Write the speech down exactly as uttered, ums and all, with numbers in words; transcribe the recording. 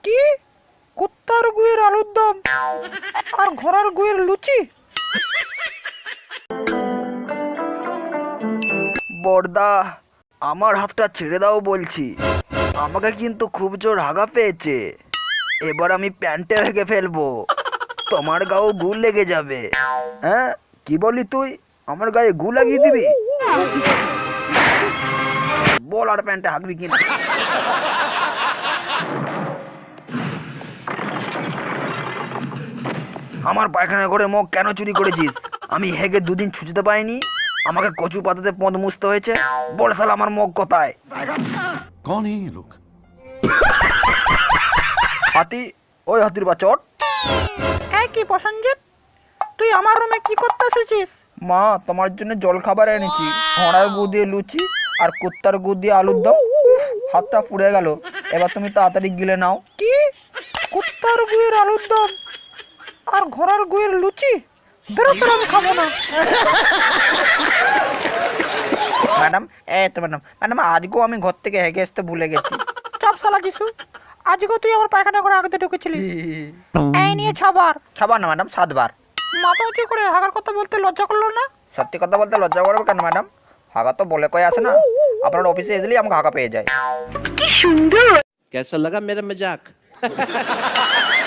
কি? কুত্তার গুয়ের আলুর দম আর ঘোড়ার গুয়ের লুচি? বড়দা, আমার হাতটা ছেড়ে দাও বলছি। আমাকে কিন্তু খুব জোর হাগা পেয়েছে। এবার আমি প্যান্টে ভেঙে ফেলবো। তোমার গাও গু লেগে যাবে। হ্যাঁ, কি বলি তুই? আমার গায়ে গু লাগিয়ে দিবি? বল আর প্যান্টে হাঁকবি কিনা। আমার পায়খানা করে মগ কেন চুরি করেছিস? আমি হেগে দুদিন ছুটিতে পাইনি, আমাকে কচু পাতাতে পদ মুছতে হয়েছে। বল শালা আমার মগ কোথায়? कौन है ये लोग? হাতি, ওই হাতির বাচট। এই কি প্রসঞ্জিৎ, তুই আমার রুমে কি করতে এসেছিস? মা, তোমার জন্য জল খাবার এনেছি। ঘোড়ার গু দিয়ে লুচি আর কুত্তার গু দিয়ে আলুর দম। উফ, হাতটা পুড়ে গেল। এবার তুমি তাড়াতাড়ি গিলে নাও। কি? কুত্তার গুয়ের আলুর দম আর ঘোড়ার গুয়ের লুচি? বেরোতে আমি খাবো না। ম্যাডাম, এই তো ম্যাডাম, ম্যাডাম আজকেও আমি ঘর থেকে হেগে আসতে ভুলে গেছি। চাপ শালা যিশু, আজকে তুই আমার পায়খানা করে আগে ঢুকেছিলি। এই নিয়ে ছবার। ছবার না ম্যাডাম, সাতবার। মাথা উঁচু করে হাগার কথা বলতে লজ্জা করলো না? সত্যি কথা বলতে লজ্জা করবে কেন ম্যাডাম? হাগা তো বলে কয়ে আসে না। আপনার অফিসে এসলেই আমাকে হাগা পেয়ে যায়। कैसा लगा मेरा मजाक?